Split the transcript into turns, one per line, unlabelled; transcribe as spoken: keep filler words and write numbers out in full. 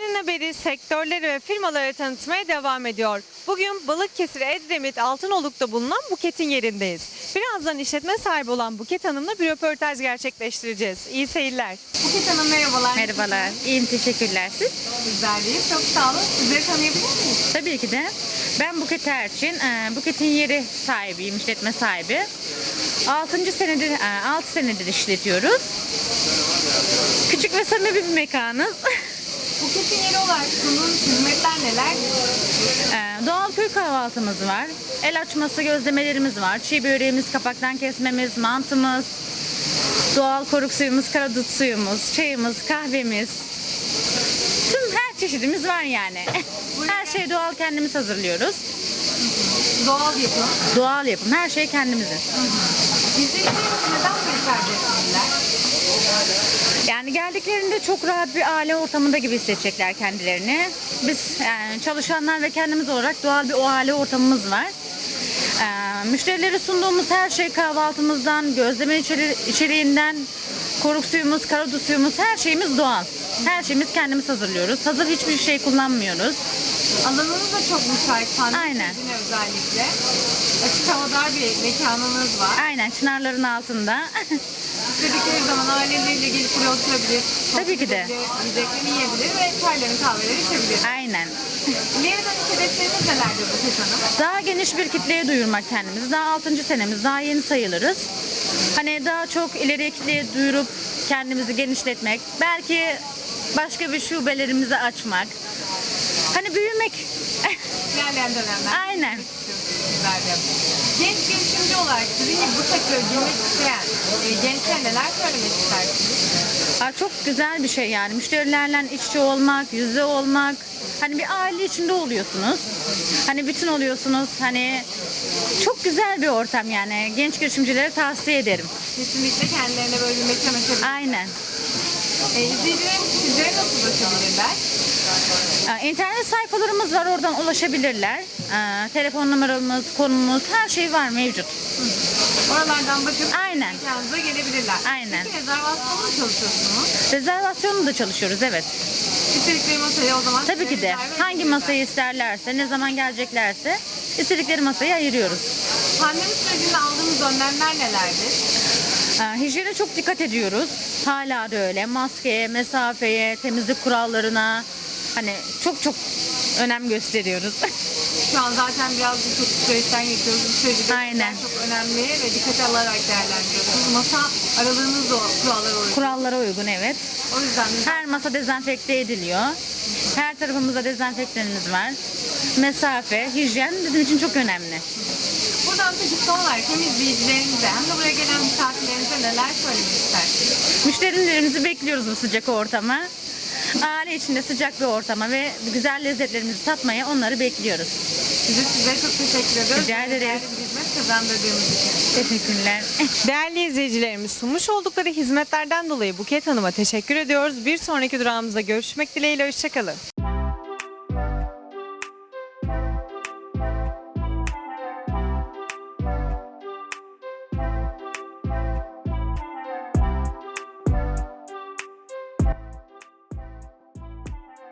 Günün haberi sektörleri ve firmaları tanıtmaya devam ediyor. Bugün Balıkesir Edremit Altınoluk'ta bulunan Buket'in yerindeyiz. Birazdan işletme sahibi olan Buket Hanım'la bir röportaj gerçekleştireceğiz. İyi seyirler. Buket Hanım merhabalar.
Merhabalar, iyiyim, teşekkürler. Siz?
Bizler deyiz. Çok sağ olun. Sizleri tanıyabilir miyiz?
Tabii ki de. Ben Buket Erçin, e, Buket'in yeri sahibiyim, işletme sahibi. altıncı senedir, altı senedir işletiyoruz. Küçük ve samimi bir mekanız.
Buket'in yeri olarak sunduğunuz hizmetler neler?
E, Doğal köy kahvaltımız var. El açması gözlemelerimiz var. Çiğ böreğimiz, kapaktan kesmemiz, mantımız, doğal koruk suyumuz, karadut suyumuz, çayımız, kahvemiz. Tüm her çeşidimiz var yani. Her şeyi doğal kendimiz hazırlıyoruz.
Doğal yapım.
Doğal yapım. Her şey kendimizin.
İzleyicilerimiz neden bunu tercih etmeliler?
Yani geldiklerinde çok rahat bir aile ortamında gibi hissedecekler kendilerini. Biz yani çalışanlar ve kendimiz olarak doğal bir o aile ortamımız var. Ee, müşterilere sunduğumuz her şey kahvaltımızdan, gözleme içeri, içeriğinden, koruk suyumuz, karadut suyumuz, her şeyimiz doğal. Her şeyimiz kendimiz hazırlıyoruz. Hazır hiçbir şey kullanmıyoruz.
Alanınız da çok müsait. Pandemi
Aynen.
sürecine özellikle. Açık havadar bir mekanınız var.
Aynen, çınarların altında.
İstedikleri zaman aileleriyle gelip buraya oturabilir.
Tabii ki de.
Yiyeceklerini yiyebilir ve çaylarını kahveleri içebilir.
Aynen.
İleri dönük hedefleriniz nelerdir Buket Hanım?
Daha geniş bir kitleye duyurmak kendimizi. Daha altıncı senemiz, daha yeni sayılırız. Hani daha çok ileri kitleye duyurup kendimizi genişletmek. Belki başka bir şubelerimizi açmak. Hani büyümek.
İlerleyen dönemler.
Aynen.
Sizler de. Genç girişimci olarak sizin gibi bu sektöre girmek isteyen e, gençlere neler söylemek istersiniz?
Aa, çok güzel bir şey yani. Müşterilerle iç içe olmak, yüz yüze olmak. Hani bir aile içinde oluyorsunuz. Hani bütün oluyorsunuz. Hani çok güzel bir ortam yani. Genç girişimcilere tavsiye ederim.
Kesinlikle kendilerine böyle bir mekan açabilir.
Aynen.
E, izleyicilerimiz sizlere nasıl ulaşabilirler?
Ee, İnternet sayfalarımız var, oradan ulaşabilirler. Ee, telefon numaramız, konumuz, her şey var mevcut.
Oralardan bakıp
Aynen.
mekanınıza gelebilirler.
Aynen.
Peki rezervasyonla mı çalışıyorsunuz?
Rezervasyonla da çalışıyoruz, evet.
İstedikleri masayı o zaman
Tabii ki de.
rezerve
Hangi
edebilirler.
masayı isterlerse, ne zaman geleceklerse istedikleri masayı ayırıyoruz.
Pandemi sürecinde aldığımız önlemler nelerdir?
Ee, hijyene çok dikkat ediyoruz. Hala da öyle. Maskeye, mesafeye, temizlik kurallarına hani çok çok önem gösteriyoruz.
Şu an zaten biraz birçok süreçten geçiyoruz. Bu süreci de
Aynen.
çok önemli ve dikkate alarak değerlendiriyorsunuz. Masa aralığınız da o kurallara uygun.
Kurallara uygun, evet.
O yüzden de
Her masa dezenfekte ediliyor. Her tarafımızda dezenfektanımız var. Mesafe, hijyen bizim için çok önemli.
buradan peki son olarak hem izleyicilerimize hem de buraya gelen misafirlerimize neler söylemek istersiniz?
Müşterilerimizi bekliyoruz bu sıcak ortama. Aile içinde sıcak bir ortama ve güzel lezzetlerimizi tatmaya onları bekliyoruz.
Biz de sizlere çok teşekkür ediyoruz.
Rica ederiz.
Değerli bir hizmet kazandırdığımız için.
Teşekkürler.
Değerli izleyicilerimiz, sunmuş oldukları hizmetlerden dolayı Buket Hanım'a teşekkür ediyoruz. Bir sonraki durağımızda görüşmek dileğiyle, hoşçakalın.